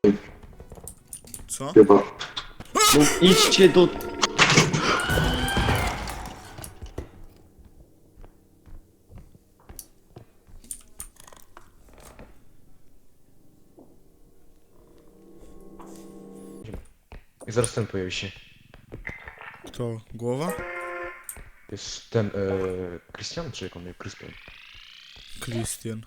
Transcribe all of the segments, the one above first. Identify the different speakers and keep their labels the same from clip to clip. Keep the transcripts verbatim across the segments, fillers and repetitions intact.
Speaker 1: Co?
Speaker 2: Chyba.
Speaker 3: No idźcie do...
Speaker 4: I zaraz ten pojawi się.
Speaker 1: To głowa?
Speaker 4: Jest ten, e, Christian, czy jak on miał? Christian.
Speaker 1: Krystian.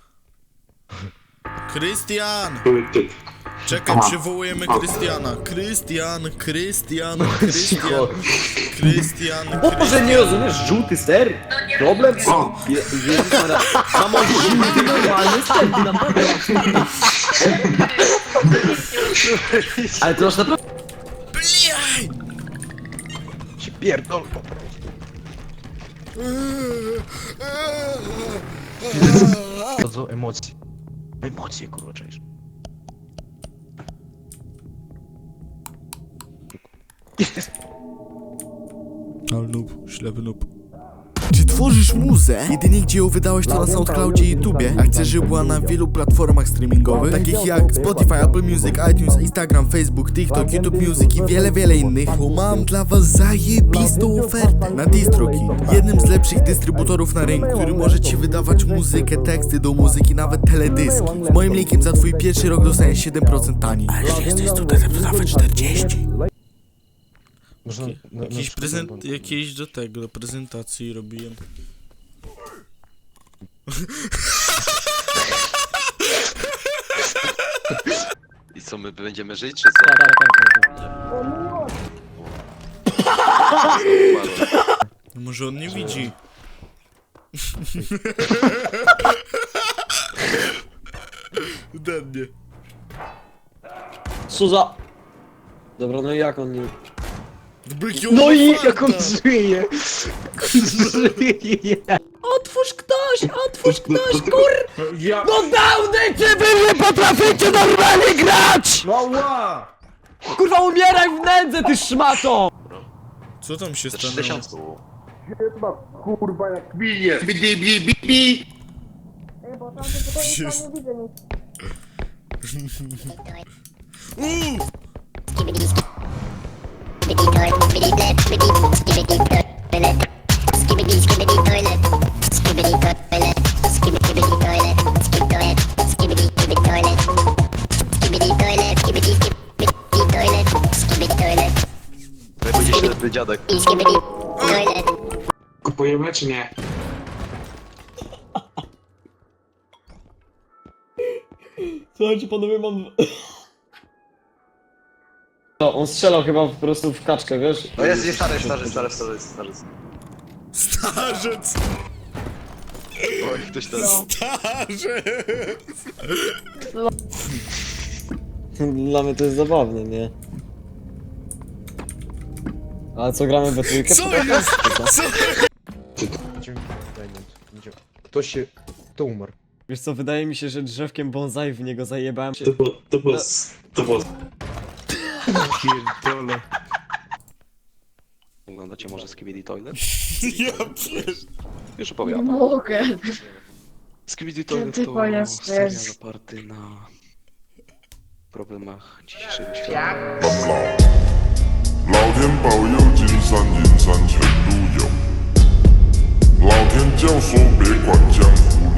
Speaker 1: Krystian!
Speaker 2: Ty-
Speaker 1: Czekaj,
Speaker 2: Aha.
Speaker 1: przywołujemy
Speaker 2: O.
Speaker 1: Krystiana. Krystian, Krystian, Krystian, Krystian,
Speaker 3: Boże, nie rozumiesz? Żółty ser? Problem?
Speaker 2: O.
Speaker 3: Je- Jezus Maria. Samo żółty normalny ser, ty naprawdę. Ale to masz naprawdę...
Speaker 1: Bliaj!
Speaker 4: Się pierdol po prostu. Bardzo emocje. Emocje, kurwa, czaisz.
Speaker 1: Ale noob, ślepy noob. Czy tworzysz muzę? Jedynie gdzie ją wydałeś to na SoundCloudzie i YouTubie, a chcesz, żeby była na wielu platformach streamingowych, takich jak Spotify, Apple Music, iTunes, Instagram, Facebook, TikTok, YouTube Music i wiele, wiele innych, to mam dla was zajebistą ofertę na DistroKid, jednym z lepszych dystrybutorów na rynku, który może ci wydawać muzykę, teksty do muzyki, nawet teledyski. Z moim linkiem za twój pierwszy rok dostaniesz siedem procent taniej. A jeśli jesteś tutaj, to nawet czterdzieści.
Speaker 4: Można na, na,
Speaker 1: Jakiś
Speaker 4: na
Speaker 1: prezent,
Speaker 4: przykład-
Speaker 1: jakieś do tego, do prezentacji robiłem.
Speaker 5: I co, my będziemy żyć, czy co?
Speaker 3: Tak, tak, tak, tak.
Speaker 1: No może on nie widzi. Dennie.
Speaker 3: Co za... Dobra, no i jak on nie...
Speaker 1: Bykią
Speaker 3: No i
Speaker 1: otwarta.
Speaker 3: jak on żyje! Żyje! Otwórz ktoś! Otwórz ktoś, kur...
Speaker 2: Ja...
Speaker 3: No dawny, czy wy nie potraficie normalnie grać!
Speaker 2: Mała!
Speaker 3: Kurwa, umieraj w nędzy, ty szmato!
Speaker 1: Co tam się
Speaker 5: Za
Speaker 1: stanęło?
Speaker 5: trzy tysiące było.
Speaker 2: Kurwa jak bije! Bidi, bidi, bidi!
Speaker 1: Przecież... Uuu!
Speaker 5: To będzie ślepy dziadek.
Speaker 2: Kupujemy czy nie?
Speaker 3: Słuchajcie, panowie, mam... No, on strzelał chyba po prostu w kaczkę, wiesz?
Speaker 5: No jest, jest stary, stary, stary, stary, stary.
Speaker 1: Starzec!
Speaker 5: Oj, ktoś ten.
Speaker 1: Starzec!
Speaker 3: Dla mnie to jest zabawne, nie? Ale co, gramy we trójkę?
Speaker 1: Co jest? Co?
Speaker 4: Idziemy- Diamond. Idziemy. Ktoś się... Kto umarł?
Speaker 3: Wiesz co, wydaje mi się, że drzewkiem bonsai w niego zajebałem się.
Speaker 2: To było... To było... To było...
Speaker 4: Pierdolę.
Speaker 5: Oglądacie może Skibidi Toilet?
Speaker 1: Ja pier...
Speaker 5: Już opowiadam.
Speaker 6: Mogę.
Speaker 5: Skibidi Toilet
Speaker 6: Ty
Speaker 5: to
Speaker 6: pojazd
Speaker 5: serial
Speaker 6: jest.
Speaker 5: oparty na problemach dzisiejszego świata.
Speaker 7: 老天保佑，金山银山全都有。老天教唆别管江湖